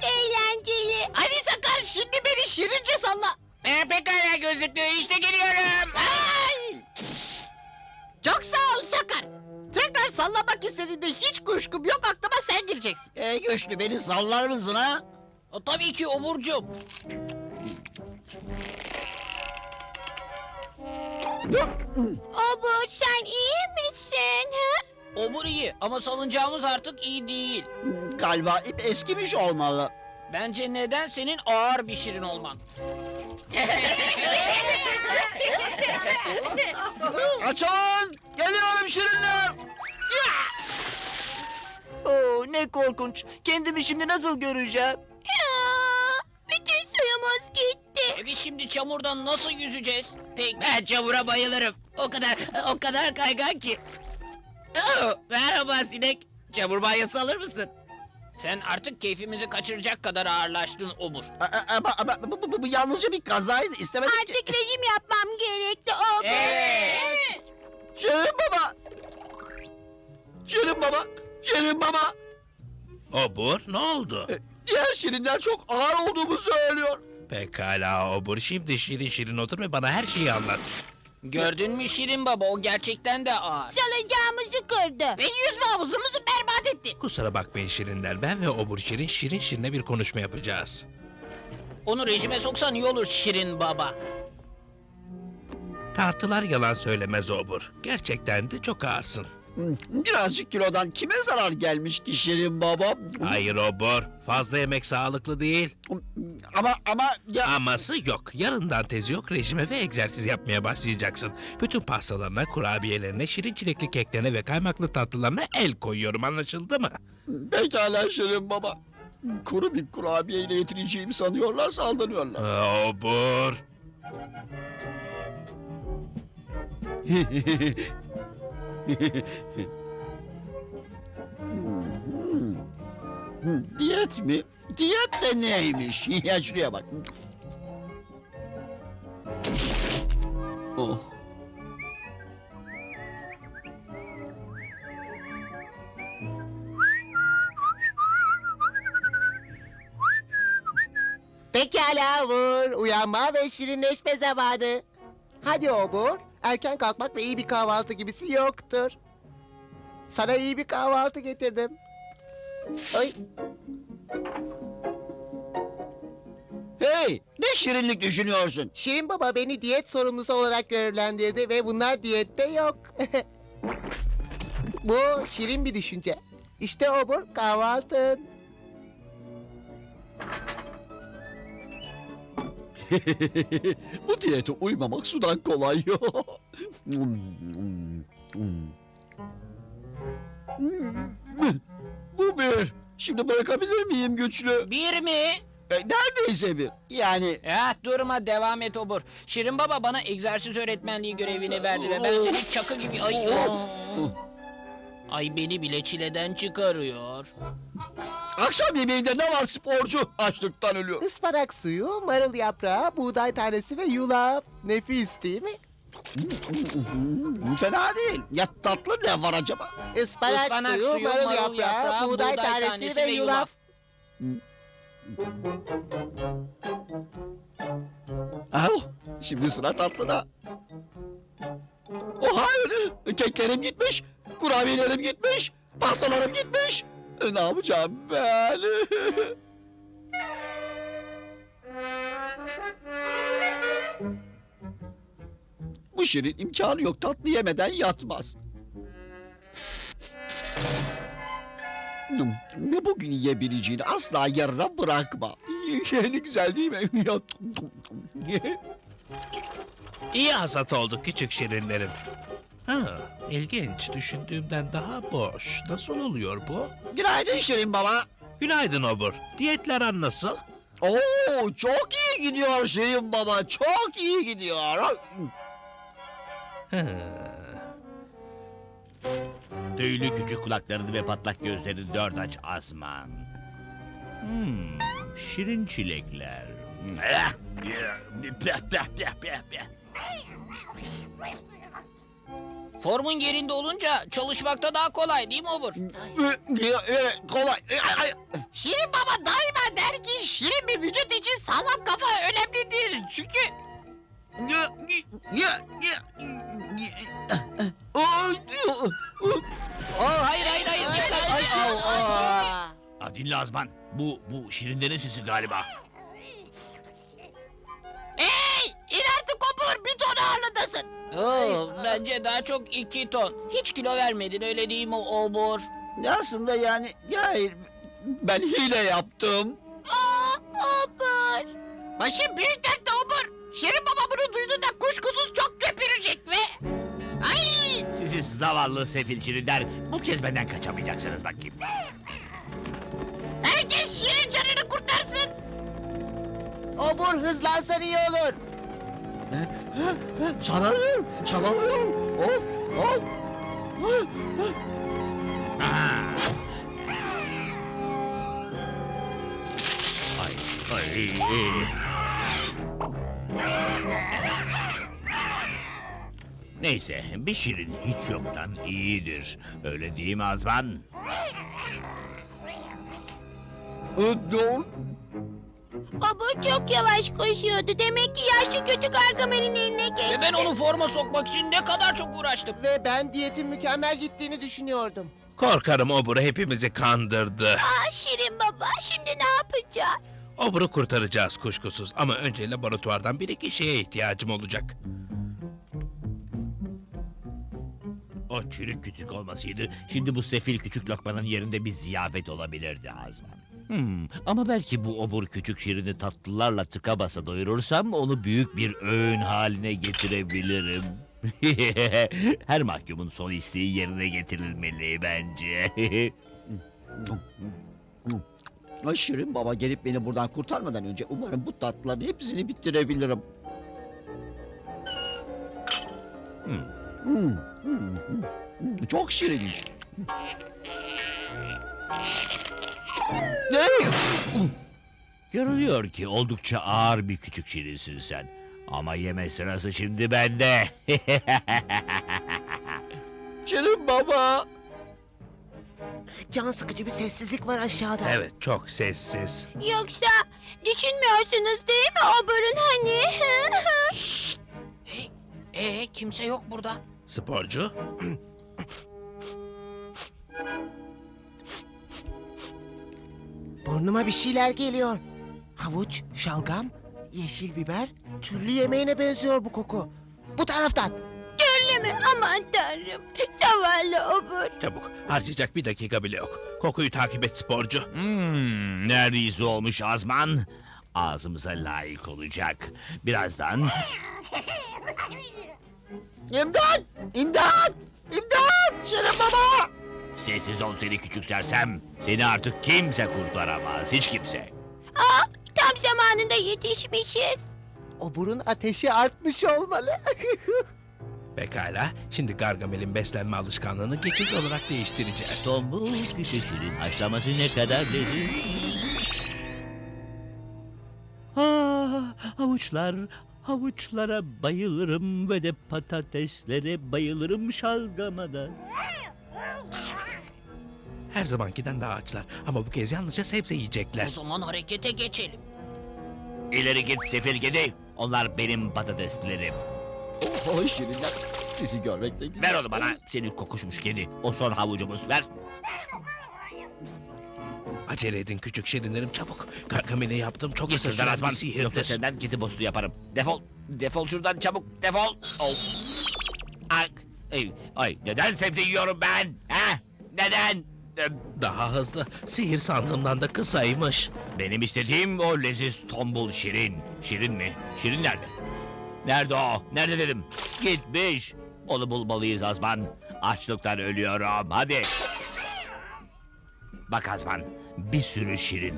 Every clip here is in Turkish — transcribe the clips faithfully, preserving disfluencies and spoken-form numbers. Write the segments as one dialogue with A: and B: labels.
A: eğlenceli.
B: Hadi Sakar, şimdi beni şirince salla.
C: Ee, pekala gözlüklü, işte geliyorum.
B: Ay! Çok sağ ol Sakar. Tekrar sallamak istediğinde hiç kuşkum yok, aklıma sen gireceksin.
D: E güçlü, beni sallar mısın ha?
C: O, tabii ki Oburcuğum.
A: Obur sen iyi misin? Ha?
C: Obur iyi ama salıncağımız artık iyi değil.
D: Galiba ip eskimiş olmalı.
C: Bence neden senin ağır bir şirin olman?
D: Açılın! Geliyorum şirinler! Oo, ne korkunç. Kendimi şimdi nasıl göreceğim?
A: Ya, bütün suyumuz gitti.
C: E biz şimdi çamurdan nasıl yüzeceğiz? Peki.
B: Ben çamura bayılırım. O kadar, o kadar kaygan ki. Oo, merhaba sinek. Çamur banyosu alır mısın?
C: Sen artık keyfimizi kaçıracak kadar ağırlaştın Obur.
D: A- a- Ama, ama bu, bu, bu, bu yalnızca bir kazaydı. İstemedim ki.
A: Artık rejim yapmam gerekli Obur.
C: Evet.
D: Şirin baba! Şirin baba! Şirin baba!
E: Obur, ne oldu?
D: E, Diğer şirinler çok ağır olduğumu söylüyor.
E: Pekala Obur, şimdi şirin şirin otur ve bana her şeyi anlat.
C: Gördün mü Şirin Baba, o gerçekten de ağır.
A: Salıncağımızı kırdı.
B: Ve yüzme havuzumuzu berbat etti.
E: Kusura bakmayın şirinler, ben ve Obur şirin şirin şirine bir konuşma yapacağız.
C: Onu rejime soksan iyi olur Şirin Baba.
E: Tartılar yalan söylemez Obur. Gerçekten de çok ağırsın.
D: Hmm, Birazcık kilodan kime zarar gelmiş ki Şirin baba?
E: Hayır Obur, fazla yemek sağlıklı değil.
D: Ama ama ya...
E: Aması yok. Yarından tezi yok, rejime ve egzersiz yapmaya başlayacaksın. Bütün pastalarına, kurabiyelerine, şirin çilekli keklerine ve kaymaklı tatlılarına el koyuyorum, anlaşıldı mı?
D: Pekala Şirin baba. Kuru bir kurabiye ile yetineceğimi sanıyorlarsa aldanıyorlar.
E: Aa, Obur.
D: Hmm, Diyet mi? Diyet de neymiş? Ya şuraya bak. Oh.
F: Pekala Obur, uyanma ve şirinleşme zamanı. Hadi Obur, erken kalkmak ve iyi bir kahvaltı gibisi yoktur. Sana iyi bir kahvaltı getirdim. Ay,
D: Hey, ne şirinlik düşünüyorsun?
F: Şirin Baba beni diyet sorumlusu olarak görevlendirdi ve bunlar diyette yok. Bu şirin bir düşünce. İşte Obur, kahvaltın.
D: Bu diyete uymamak sudan kolay. Hmm, hmm, hmm. Bu bir. Şimdi bırakabilir miyim güçlü?
C: Bir mi?
D: E, neredeyse bir. Yani
C: Ya durma, devam et Obur. Şirin Baba bana egzersiz öğretmenliği görevini verdi ve ben seni çakı gibi... Ay, Ay beni bile çileden çıkarıyor.
D: akşam yemeğinde ne var sporcu? Açlıktan ölüyor.
F: Ispanak suyu, marul yaprağı, buğday tanesi ve yulaf. Nefis değil mi?
D: Hmm, Fena değil. Ya tatlı ne var acaba?
F: Ispanak,
C: Ispanak
F: suyu,
C: suyu,
F: marul,
C: marul
F: yaprağı,
C: yaprağı,
F: buğday,
C: buğday
F: tanesi,
C: tanesi
F: ve
C: ve
F: yulaf.
D: Oh, şimdi sıra tatlıda. Oh hayır. Keklerim gitmiş. Kurabiyelerim gitmiş. Pastalarım gitmiş. E, Ne yapacağım ben? Bu şirin imkanı yok. Tatlı yemeden yatmaz. Hmm, Ne bugün yiyebileceğini asla yarına bırakma. Ne güzel değil mi?
E: İyi hasat oldu küçük şirinlerim. Ha, ilginç. Düşündüğümden daha boş. Nasıl oluyor bu?
D: Günaydın Şirin baba.
E: Günaydın Obur. Diyetler an nasıl?
D: Oo, çok iyi gidiyor Şirin baba. Çok iyi gidiyor.
E: Ha.
G: Tüylü küçük kulaklarını ve patlak gözlerini dört aç Asman. Hmm, şirin çilekler. Ah! Peh, peh, peh, peh, peh.
C: Formun yerinde olunca çalışmakta daha kolay değil mi Obur?
D: Kolay.
B: Şirin Baba daima der ki şirin bir vücut için sağlam kafa önemlidir. Çünkü
C: Aa, hayır hayır hayır. dikkat. Ay, au, au.
G: Ha, dinle Azman. Bu, bu şirinlerin sesi galiba.
B: hey in artık Obur bir ton ağırlığındasın.
C: Oo, bence daha çok iki ton. Hiç kilo vermedin öyle değil mi Obur?
D: Aslında yani hayır ben hile yaptım.
A: Aa, Obur.
B: Başı büyük dertte Obur. Şirin Baba bunu duyduğunda kuşkusuz çok köpürecek ve... Ay!
G: Sizi zavallı sefil şirinler. Bu kez benden kaçamayacaksınız bakayım.
B: Herkes Şirin canını kurtarsın.
F: Obur hızlansan iyi olur.
D: Çabalıyorum, çabalıyorum. Of, of.
G: Aha. Ay, ay, ay. Neyse, bir şirin hiç yoktan iyidir. Öyle değil mi Azman?
D: Dur.
A: Obur çok yavaş koşuyordu. Demek ki yaşlı kötü Gargamel'in eline geçti.
C: Ve ben onu forma sokmak için ne kadar çok uğraştım.
F: Ve ben diyetin mükemmel gittiğini düşünüyordum.
E: Korkarım Obur'u hepimizi kandırdı.
A: Aa, Şirin Baba, şimdi ne yapacağız?
E: Obur'u kurtaracağız kuşkusuz. Ama önce laboratuvardan bir iki şeye ihtiyacım olacak.
G: O çürük küçük olmasaydı, şimdi bu sefil küçük lokmanın yerinde bir ziyafet olabilirdi Azman. Hmm, ama belki bu obur küçük şirini tatlılarla tıka basa doyurursam onu büyük bir öğün haline getirebilirim. Her mahkumun son isteği yerine getirilmeli bence.
D: Ay, Şirin Baba gelip beni buradan kurtarmadan önce umarım bu tatlıların hepsini bitirebilirim.
G: Hmm.
D: Hmm, hmm, hmm, hmm. Çok şirin. Ne?
G: Görülüyor ki oldukça ağır bir küçük şirinsin sen. Ama yeme sırası şimdi bende.
D: Şirin Baba.
F: Can sıkıcı bir sessizlik var aşağıda.
E: Evet, çok sessiz.
A: Yoksa düşünmüyorsunuz değil mi Obur'un hani?
C: Hey, ee, kimse yok burada.
E: Sporcu,
F: Burnuma bir şeyler geliyor. Havuç, şalgam, yeşil biber, türlü yemeğine benziyor bu koku. Bu taraftan.
A: Öyle mi? Aman tanrım. Zavallı Obur.
E: çabuk. Harcayacak bir dakika bile yok. Kokuyu takip et sporcu.
G: Hmm, neredeyse olmuş Azman. Ağzımıza layık olacak. Birazdan
D: İmdat! İmdat! İmdat! Şirin Baba!
G: sessiz ol seni küçük sersem. Seni artık kimse kurtaramaz, hiç kimse.
A: Aa, tam zamanında yetişmişiz.
F: Obur'un ateşi artmış olmalı.
E: Pekala, şimdi Gargamel'in beslenme alışkanlığını geçici olarak değiştireceğiz.
G: Tombul küçük şirin haşlaması ne kadar lezzetli. Ah, havuçlar, havuçlara bayılırım ve de patateslere bayılırım, şalgama da.
E: Her zamankinden daha açlar ama bu kez yalnızca sebze
C: O
E: yiyecekler.
C: zaman harekete geçelim.
G: İleri git sefil kedi, onlar benim patateslerim.
D: Oh, Şirinler, sizi görmek de güzel.
G: Ver onu bana, seni kokuşmuş kedi. O son havucumuz, ver.
E: Acele edin küçük şirinlerim, çabuk. Gargamel'e yaptığım çok
G: Git
E: kısa
G: şuradan
E: süren bir
G: Azman, yoksa
E: sihirdir.
G: senden kedi bostu yaparım. Defol, defol şuradan çabuk, defol. Ol. Ay, ay, ay, neden sebze yiyorum ben? Ha? Neden? Ee,
E: Daha hızlı, sihir sandığımdan da kısaymış.
G: Benim istediğim o leziz tombul şirin. Şirin mi? Şirin nerede? Nerede o? Nerede dedim? Gitmiş. Onu bulmalıyız Azman. Açlıktan ölüyorum. Hadi. Bak Azman, bir sürü şirin.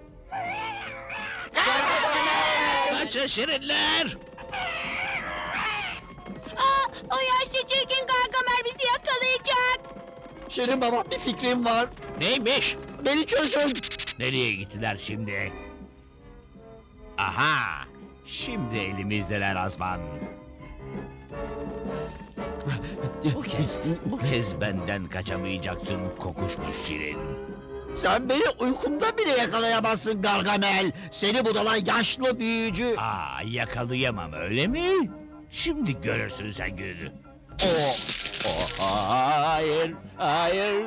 E: Kaçın şirinler!
A: Aa, o yaşlı çirkin Gargamel bizi yakalayacak.
D: Şirin Baba, bir fikrim var.
E: Neymiş?
D: Beni çözün.
G: Nereye gittiler şimdi? Aha! Şimdi elimizdeler Azman. Bu kez, bu kez benden kaçamayacaksın kokuşmuş şirin.
D: Sen beni uykumda bile yakalayamazsın Gargamel. Seni budalan yaşlı büyücü.
G: Aa, yakalayamam öyle mi? Şimdi görürsün sen gününü. O, o, hayır, hayır.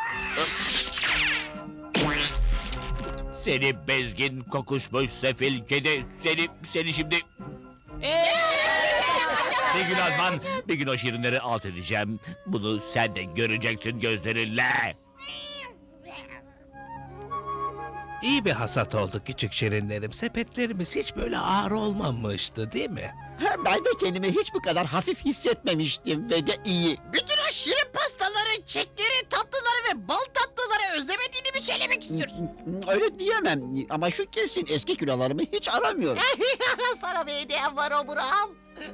G: Seni bezgin kokuşmuş sefil kedi, seni, seni şimdi... Bir gün Azman, bir gün o şirinleri alt edeceğim. Bunu sen de göreceksin gözlerinle.
E: İyi bir hasat oldu küçük şirinlerim. Sepetlerimiz hiç böyle ağır olmamıştı değil mi?
D: Hem ben de kendimi hiç bu kadar hafif hissetmemiştim ve de iyi.
B: Bütün o şirin pastaları, kekleri, tatlıları ve bal tatlıları özlemediğini mi söylemek istiyorsun?
D: Öyle diyemem ama şu kesin eski kilolarımı hiç aramıyorum.
F: Sana bir hediyem var Obur al.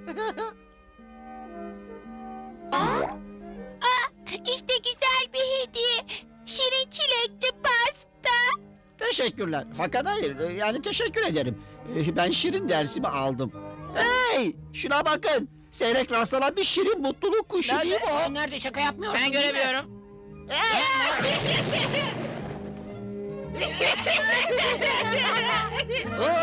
A: İşte güzel bir hediye. Şirin çilekli pasta.
D: Teşekkürler. Fakat hayır, yani teşekkür ederim. Ee, Ben şirin dersimi aldım. Hey! Şuna bakın. Seyrek rastlanan bir şirin mutluluk kuşu değil mi o?
C: Aa, nerede şaka yapmıyorsun?
B: Ben
C: değil mi?
B: göremiyorum.
C: Oo,